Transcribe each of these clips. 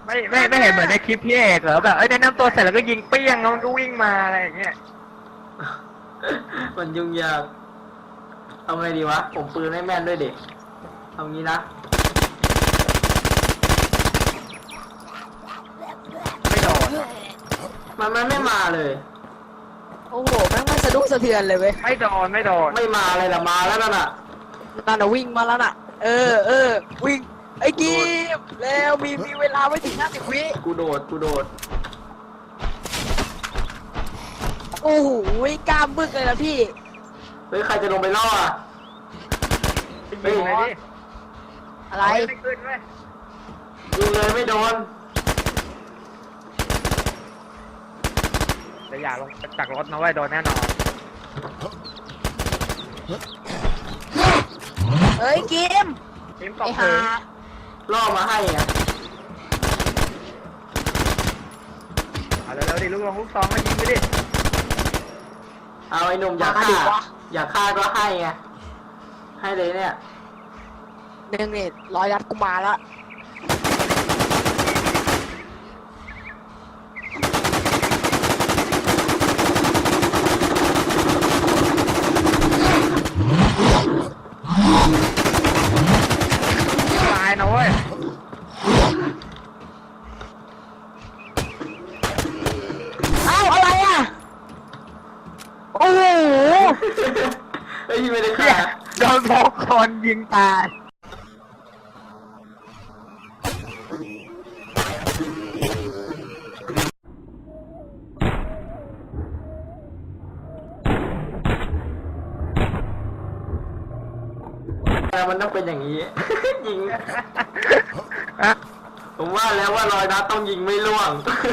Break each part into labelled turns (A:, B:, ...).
A: ไม่เห็นเหมือนในคลิปพี่เอกเหรอแบบแนะนำตัวเสร็จแล้วก็ยิงเปี้ยงแล้วมันก็วิ่งมาอะไรอย่างเงี้ย
B: มันยุ่งยากทำไงดีวะผมปืนไม่แม่นด้วยเด็กทำงี้นะ
A: ไม่โดน
B: มันไม่มาเลย
C: โอ้โหแม่งไม่สะดุ้งสะเทือนเลยเว้ย
A: ไม่โดน
B: ไม่มาเลยละมาแล้วนั่นน่ะ
C: นั่นน่ะวิ่งมาแล้วน่ะวิ่งไอ้กีมแล้วมีเวลาไม่ถึง50 วิ
B: กูโดด
C: โอ้โหกล้ามบึกเลยนะพี่
B: เฮ้ยใครจะลงไปล่ออ่ะ
A: ยิงเลยดิ
C: อะไร
A: ไม่ขึ้นเว้ย
B: ยิงเลยไม่โดน
A: แต่อย่าลงจากรถนะเว้ยโดนแน่นอน
C: เฮ้ยกีม
A: ทีมต
C: ไอ้
A: ก
C: ห่า
A: ถึง
B: ล่อมาให้ไง
A: เอาเร็วๆดิลูกซองก็ยิงไปดิ
B: เอาไอ้หนุ่มอยากฆ่าก็ให้ไงให้เลยเนี่ย
C: หนึ่งนี่100 นัดกูมาแล้ว
A: ตายนะเว้ย
C: เอ้าอะไรอ่ะโอ้โห
B: เฮ้ยไม่ได้ฆ่า
A: โดนพกคนยิงตาย
B: แต่มันต้องเป็นอย่างนี้ ยิงผมว่าแล้วว่ารอยนัดต้องยิงไม่ล่วง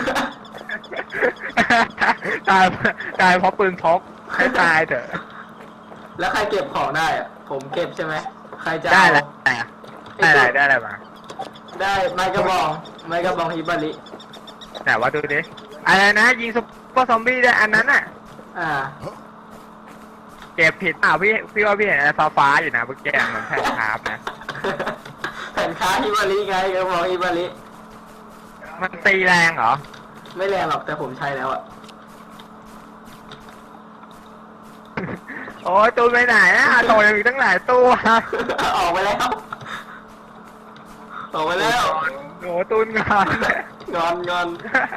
A: ตายเพราะปืนพกให้ตายเถอะ
B: แล้วใครเก็บของได้อะผมเก็บใช่ไหมใครจะ
A: ได้
B: เอา
A: แล้วได้อะไรมา
B: ได้ไม้กระบองฮิบาริ
A: แต่ว่าดูดิอะไรนะยิงซุปเปอร์ซอมบี้ได้อันนั้นอ่ะ
B: อ่า
A: เก็บผิดพี่ว่าพี่เห็นอะไรฟ้าอยู่นะเมื่อกี้เหมือนแผ่นคาร์บนะ
B: แผ่นค้าฮิบาริไงกระบองฮิบาริ
A: มันตีแรงเหรอ
B: ไม่แรงหรอกแต่ผมใช้แล้วอ่ะ
A: โอ้ยตูนไปไหนอ่ะโตยังมีตั้งหลายตัว
B: ออกไปแล้ว ออกไปแล้ว
A: โอ้ตูนงอน
B: งอน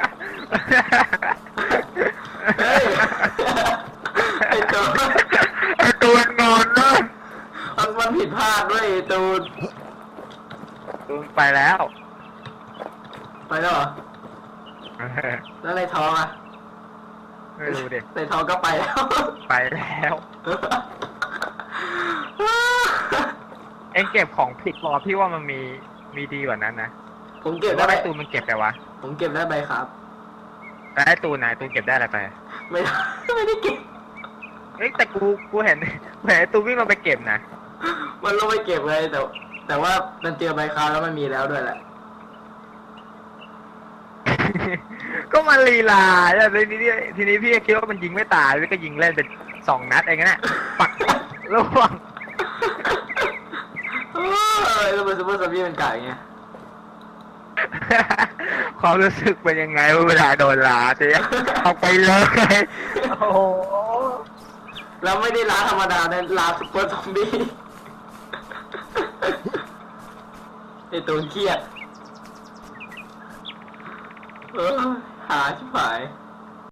B: เฮ้ยไอ้ตูน
A: ไอ้ตูนงอนนะ
B: มันผิดพลาดด้วยไอ้ตูน
A: ตูนไปแล้ว
B: ไปแล้วเหรอแล้วในท้องอ่ะ
A: ไม่รู้ดิ
B: ในท้องก็ไปแล้ว
A: ไปแล้ว เอ็งเก็บของผิดหรอพี่ว่ามันมีดีกว่านั้นนะ
B: ผมเก็บ
A: ว่า
B: ได้
A: ไอ้ตูนมันเก็บไปวะ
B: ผมเก็บได้ใบครับ
A: แต่ไอ้ตูนไหนตูนเก็บได้อะไรไป
B: ไม่ได้เก็บ
A: เฮ้ยแต่กูเห็นไอ้ตูนวิ่งมาไปเก็บนะ
B: มันลงไปเก็บเลยแต่ว่ามันเจอใบครับแล้วมันมีแล้วด้วยแหละ
A: ก็มันลีลาแล้วทีนี้พี่คิดว่ามันยิงไม่ตายพี่ก็ยิงเล่นเป็น2 นัดเองนะปักล่วง
B: แล้วมันซูเปอร์ซอมบี้มันไก่ไง
A: ความรู้สึกเป็นยังไงเวลาโดนลาเจ๊เอาไปเลยโอ้โห
B: แล้วไม่ได้ล้าธรรมดานะล้าซูเปอร์ซอมบี้ไอตัวเครียดหาชิบหาย